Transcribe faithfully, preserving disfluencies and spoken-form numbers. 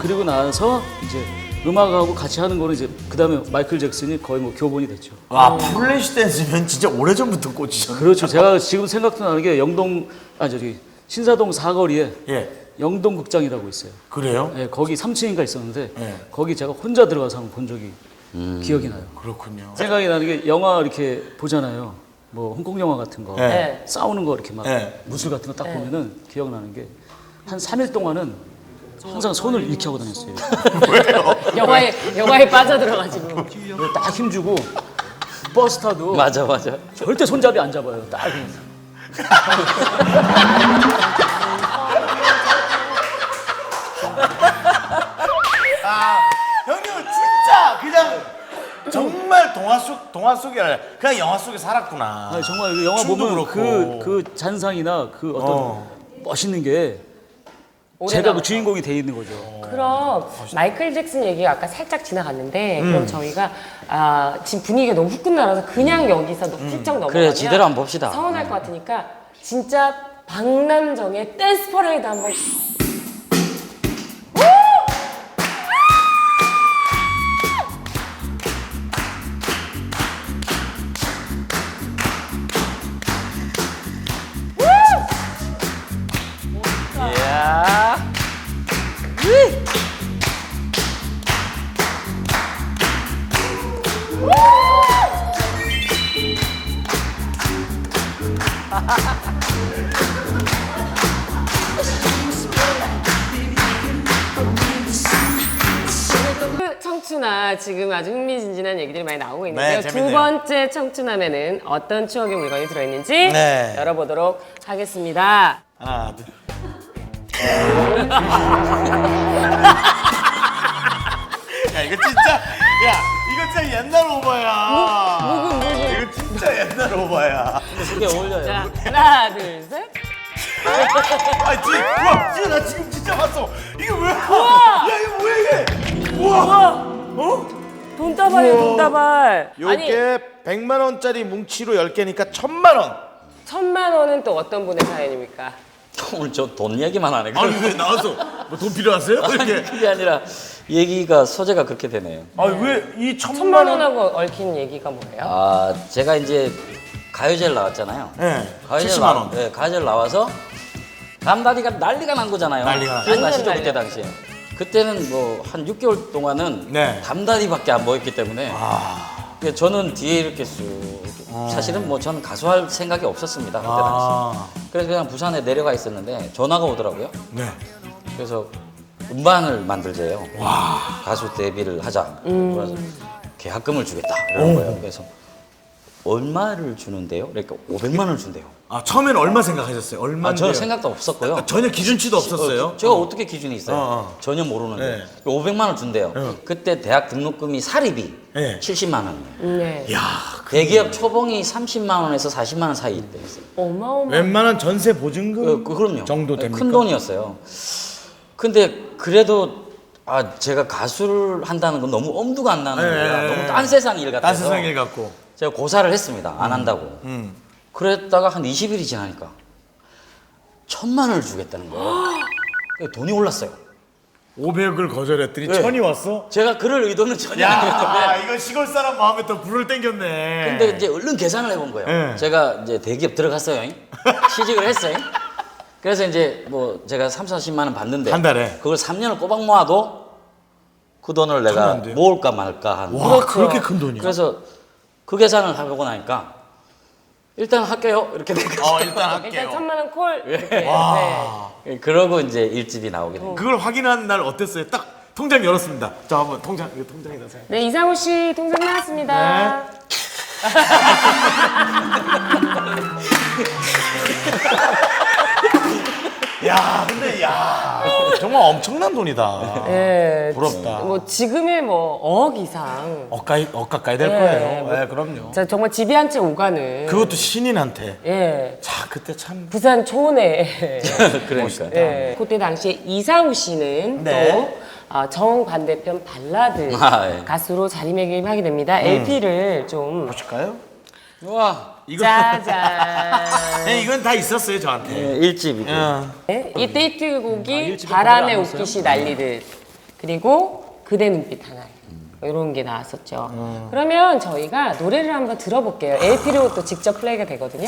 그리고 나서 이제 음악하고 같이 하는 거는 이제 그 다음에 마이클 잭슨이 거의 뭐 교본이 됐죠. 와, 플래시 댄스면 진짜 오래전부터 꽂히셨네. 그렇죠. 제가 지금 생각도 나는 게 영동, 아, 저기, 신사동 사거리에 예. 영동극장이라고 있어요. 그래요? 예, 거기 삼 층인가 있었는데 예. 거기 제가 혼자 들어가서 한번 본 적이 기억이 나요. 그렇군요. 생각이 나는 게 영화 이렇게 보잖아요. 뭐 홍콩 영화 같은 거 네. 싸우는 거 이렇게 막 네. 무술 같은 거 딱 보면은 기억나는 게 한 삼 일 동안은 항상 손을 이렇게 하고 다녔어요. 영화에 영화에 빠져들어가지고. 그리고 딱 힘주고 버스 타도 맞아 맞아. 절대 손잡이 안 잡아요. 딱 이렇게. 아, 형님은 진짜 그냥 정말 동화 속 동화 속이 아니라 그냥 영화 속에 살았구나. 아니, 정말 그 영화 춤도 보면 그렇고. 그, 그 잔상이나 그 어떤 어. 멋있는 게 오래 제가 그 남았어. 주인공이 돼 있는 거죠. 그럼 마이클 잭슨 얘기가 아까 살짝 지나갔는데 음. 그럼 저희가 아, 지금 분위기가 너무 훅 끝나서 그냥 여기서 너- 훌쩍 넘어가면 그래, 제대로 한번 봅시다. 서운할 것 같으니까 진짜 박남정의 댄스 퍼레이드 한번. 이야. 그 청춘아 지금 아주 흥미진진한 얘기들이 많이 나오고 있는데요. 네, 두 재밌네요. 번째 청춘함에는 어떤 추억의 물건이 들어있는지 네. 열어보도록 하겠습니다. 하나, 둘. 야, 이거 진짜, 야, 이거 진짜 옛날 오버야. 묵은 묵은. 이거 진짜 옛날 오버야. 그게 어울려요. 자 하나 둘 셋. 아, 지, 우와, 지금 나 지금 진짜 봤어. 이게 뭐야? 야, 이거 뭐야 이게? 우와, 어? 돈다발이에요 돈다발. 아니 요게 백만 원짜리 뭉치로 열 개니까 천만 원. 천만 원은 또 어떤 분의 사연입니까? 오늘 저 돈 얘기만 하네. 아니 왜 나와서 뭐 돈 필요하세요? 이렇게. 그게 아니라 얘기가 소재가 그렇게 되네요. 아니 왜 이 천만 천만 원? 원하고 얽힌 얘기가 뭐예요? 아 제가 이제 가요제를 나왔잖아요. 네. 가요제를 칠십만 나- 원. 네, 가요제를 나와서 감다리가 난리가 난 거잖아요. 난리가 나- 기억나시죠 완전 그때 당시에? 그때는 뭐 한 육 개월 동안은 네. 감다리밖에 안 보였기 때문에 아. 그래서 저는 뒤에 이렇게 쑥 사실은 뭐 저는 가수할 생각이 없었습니다 그때 당시. 아. 그래서 그냥 부산에 내려가 있었는데 전화가 오더라고요. 네. 그래서 음반을 만들재요. 가수 데뷔를 하자. 그래서 계약금을 주겠다 이러는 거예요. 그래서 얼마를 주는데요? 그러니까 오백만 원을 준대요. 아 처음에는 얼마 생각하셨어요? 아, 얼마인데요? 저는 생각도 없었고요. 전혀 기준치도 없었어요. 어, 제가 어떻게 기준이 있어요? 어, 어. 전혀 모르는데 네. 오백만 원 준대요. 어. 그때 대학 등록금이 사립이 네. 칠십만 원이에요. 네. 야, 대기업 초봉이 삼십만 원에서 사십만 원 사이 있대요. 어마어마. 웬만한 전세 보증금 그, 그, 그럼요. 정도 됩니까? 큰 돈이었어요. 근데 그래도 아 제가 가수를 한다는 건 너무 엄두가 안 나는 네, 거예요. 네, 너무 네. 딴 세상 일 같아서. 딴 세상 일 같고. 제가 고사를 했습니다. 안 한다고. 음. 그랬다가 한 이십 일이 지나니까 천만 원을 주겠다는 거예요. 그러니까 돈이 올랐어요. 오백을 거절했더니 네. 천이 왔어? 제가 그럴 의도는 전혀 야, 아니었는데 이거 시골 사람 마음에 또 불을 땡겼네. 근데 이제 얼른 계산을 해본 거예요. 네. 제가 이제 대기업 들어갔어요. 취직을 했어요. 그래서 이제 뭐 제가 삼사십만 원 받는데 한 달에? 그걸 삼 년을 꼬박 모아도 그 돈을 내가 안 돼요? 모을까 말까 한. 와, 그렇게 큰 돈이야? 그래서 그 계산을 하고 나니까 일단 할게요. 이렇게 된 거죠. 어, 일단 할게요. 일단 천만 원 콜. 이렇게. 네. 와. 그러고 이제 일집이 나오게 된 거예요. 그걸 확인한 날 어땠어요? 딱 통장 열었습니다. 자, 한번 통장, 이거 통장에다 세요. 네 이상호 씨 통장 나왔습니다. 야, 근데 야, 정말 엄청난 돈이다. 네. 부럽다. 뭐 지금의 뭐 어억 이상. 억가이, 억가까이 될 네, 거예요. 뭐- 네, 그럼요. 자 정말 집이 한 채 오가는. 그것도 신인한테. 예. 자, 그때 참. 부산 초내. 그러니까. 예. 그때 당시에 이상우 씨는 네. 또 아, 정반대편 발라드 아, 예. 가수로 자리매김하게 됩니다. 엘피를 좀 보실까요? 와, 이거. 짜잔. 네, 이건 다 있었어요, 저한테. 예, 일집이고. 어. 네, 이 데이트곡이 아, 일집에 바람에 그걸 안 웃기시 날리듯 그리고 그대 눈빛 하나. 이런 게 나왔었죠. 그러면 저희가 노래를 한번 들어볼게요. 엘피로 또 직접 플레이가 되거든요.